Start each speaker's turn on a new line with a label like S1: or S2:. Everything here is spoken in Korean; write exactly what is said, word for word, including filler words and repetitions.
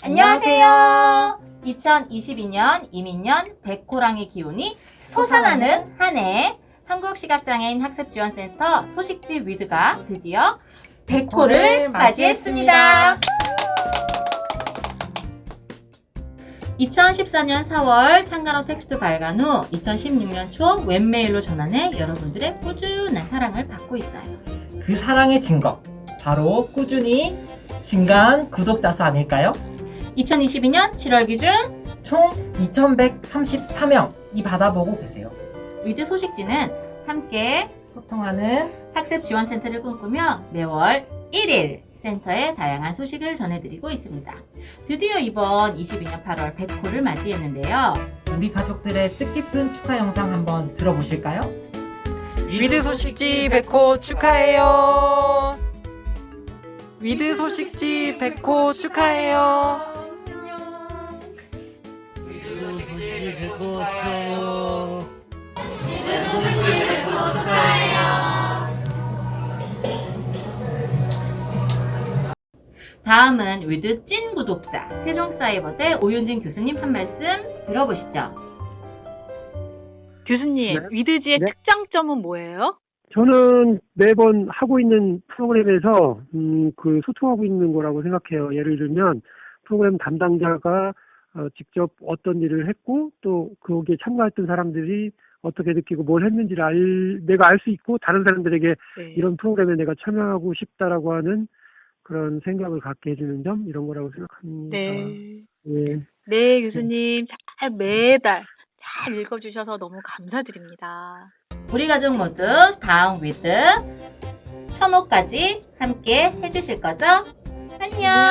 S1: 안녕하세요. 이천이십이 년 이민년 백호랑이 기운이 솟아나는 한 해 한국시각장애인 학습지원센터 소식지 위드가 드디어 백호를 맞이했습니다. 이천십사 년 사월 창간호 텍스트 발간 후 이천십육 년 초 웹메일로 전환해 여러분들의 꾸준한 사랑을 받고 있어요.
S2: 그 사랑의 증거, 바로 꾸준히 증가한 구독자 수 아닐까요?
S1: 이천이십이 년 칠월 기준
S2: 총 이천백삼십사 명이 받아보고 계세요.
S1: 위드 소식지는 함께
S2: 소통하는
S1: 학습지원센터를 꿈꾸며 매월 일 일 센터의 다양한 소식을 전해드리고 있습니다. 드디어 이번 이십이 년 팔월 백호를 맞이했는데요.
S2: 우리 가족들의 뜻깊은 축하 영상 한번 들어보실까요? 위드 소식지 백호 축하해요. 위드 소식지 백호 축하해요. 위드 소식지 백호 축하해요.
S1: 다음은 위드 찐 구독자 세종사이버대 오윤진 교수님 한 말씀 들어보시죠.
S3: 교수님,
S4: 네.
S3: 위드지의
S4: 네.
S3: 특장점은 뭐예요?
S4: 저는 매번 하고 있는 프로그램에서 음, 그 소통하고 있는 거라고 생각해요. 예를 들면 프로그램 담당자가 어, 직접 어떤 일을 했고 또 거기에 참가했던 사람들이 어떻게 느끼고 뭘 했는지를 알, 내가 알 수 있고 다른 사람들에게
S3: 네.
S4: 이런 프로그램에 내가 참여하고 싶다라고 하는 그런 생각을 갖게 해주는 점 이런 거라고 생각합니다.
S3: 네.
S4: 예.
S3: 네, 교수님. 잘 매달 잘 읽어주셔서 너무 감사드립니다.
S1: 우리 가족 모두 다음 위드 천 호까지 함께 해주실 거죠? 안녕!